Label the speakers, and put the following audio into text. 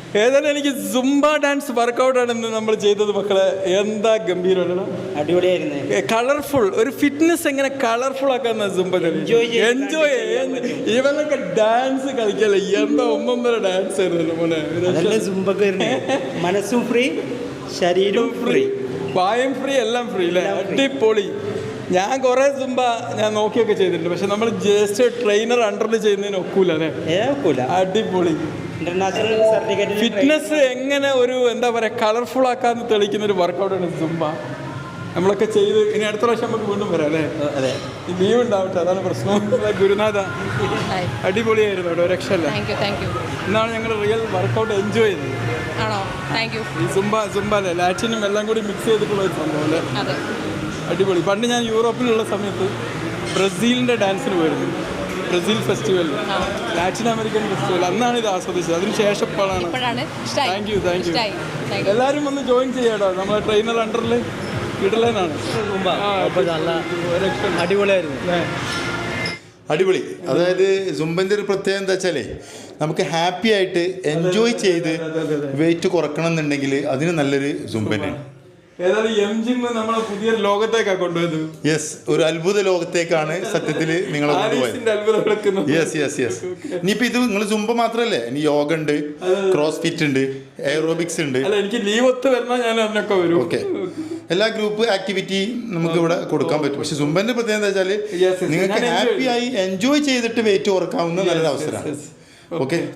Speaker 1: ഏതായാലും എനിക്ക് Zumba dance വർക്കൗട്ടാണ് ഇന്ന് നമ്മൾ ചെയ്തത് മക്കളെ. എന്താ ഗംഭീരമാണ്,
Speaker 2: അടിപൊളിയായിരുന്നു.
Speaker 1: കളർഫുൾ ഒരു ഫിറ്റ്നസ് എങ്ങനെ കളർഫുൾ ആക്കാന്ന സുംബ എൻജോയ്. ഇവനൊക്കെ ഡാൻസ് കളിക്കല്ലേ, എന്താ ഒന്നൊന്നര ഡാൻസ് ആയിരുന്നല്ലോ മോനെ.
Speaker 2: മനസ്സും ഫ്രീ, ശരീരവും ഫ്രീ,
Speaker 1: വായും ഫ്രീ, എല്ലാം ഫ്രീ അല്ലേ? അടിപൊളി. ഞാൻ കുറേ സുംബ ഞാൻ നോക്കിയൊക്കെ ചെയ്തിട്ടുണ്ട്, പക്ഷെ നമ്മൾ ജസ്റ്റ് ട്രെയിനർ അണ്ടറിൽ ചെയ്യുന്നതിന് ഒക്കൂല അല്ലേ? അടിപൊളി.
Speaker 2: ഇന്റർനാഷണൽ സർട്ടിഫിക്കറ്റ്
Speaker 1: ഫിറ്റ്നസ് എങ്ങനെ ഒരു എന്താ പറയുക കളർഫുൾ ആക്കാന്ന് തെളിയിക്കുന്ന ഒരു വർക്കൗട്ടാണ് സുംബ. നമ്മളൊക്കെ ചെയ്ത് ഇനി അടുത്ത പ്രാവശ്യം നമുക്ക് വീണ്ടും വരാം അല്ലേ?
Speaker 2: അതെ,
Speaker 1: ലീവ് ഉണ്ടാവട്ടെ, അതാണ് പ്രശ്നം. ഗുരുനാഥ അടിപൊളിയായിരുന്നു കേട്ടോ, രക്ഷല്ല. ഇന്നാണ് ഞങ്ങൾ റിയൽ വർക്കൗട്ട് എൻജോയ് ചെയ്തത്. ഈ സുംബ അല്ലേ, ലാറ്റിനും എല്ലാം കൂടി മിക്സ് ചെയ്തിട്ടുള്ള ഒരു സംഭവം അല്ലേ? അടിപൊളി. പണ്ട് ഞാൻ യൂറോപ്പിലുള്ള സമയത്ത് ബ്രസീലിൻ്റെ ഡാൻസിന് പോയിരുന്നു, Brazil festival, Latin American festival. അന്നാണ് ഇത് ആസ്വദിച്ചത്. അതിന് ശേഷം ഇപ്പോഴാണ്. Thank you. എല്ലാവരും ഒന്ന് ജോയിൻ ചെയ്യാട്ടോ, നമ്മളെ ട്രെയിനർ അണ്ടറിൽ ഇടലാനാണ്.
Speaker 2: അടിപൊളിയായിരുന്നു.
Speaker 3: അടിപൊളി. അതായത് സുംബൻ്റെ ഒരു പ്രത്യേകത എന്താ വെച്ചാലേ, നമുക്ക് ഹാപ്പി ആയിട്ട് എൻജോയ് ചെയ്ത് വെയിറ്റ് കുറക്കണം എന്നുണ്ടെങ്കിൽ അതിന് നല്ലൊരു സുംബനാണ്.
Speaker 1: ഏതായാലും എം ജിം നമ്മളെ പുതിയ ലോകത്തേക്കാണ് കൊണ്ടുപോയത്.
Speaker 3: യെസ്, ഒരു അത്ഭുത ലോകത്തേക്കാണ് സത്യത്തിൽ നിങ്ങളെ കൊണ്ടുപോയത്. യെസ്. ഇനിയിപ്പോൾ ഇത് നിങ്ങൾ സുംബ മാത്രമല്ലേ, ഇനി യോഗ ഉണ്ട്, ക്രോസ് ഫിറ്റ് ഉണ്ട്, എയറോബിക്സ് ഉണ്ട്.
Speaker 1: എനിക്ക് ലീവ് ഒത്ത് വരണം, ഞാൻ അതിനൊക്കെ വരും.
Speaker 3: ഓക്കെ, എല്ലാ ഗ്രൂപ്പ് ആക്ടിവിറ്റി നമുക്ക് ഇവിടെ കൊടുക്കാൻ പറ്റും. പക്ഷെ സുംബന്റെ പ്രത്യേകത എന്താ വെച്ചാൽ നിങ്ങൾക്ക് ഹാപ്പി ആയി എൻജോയ് ചെയ്തിട്ട് വെയിറ്റ് കുറക്കാവുന്ന നല്ലൊരു അവസരമാണ്. ഓക്കെ.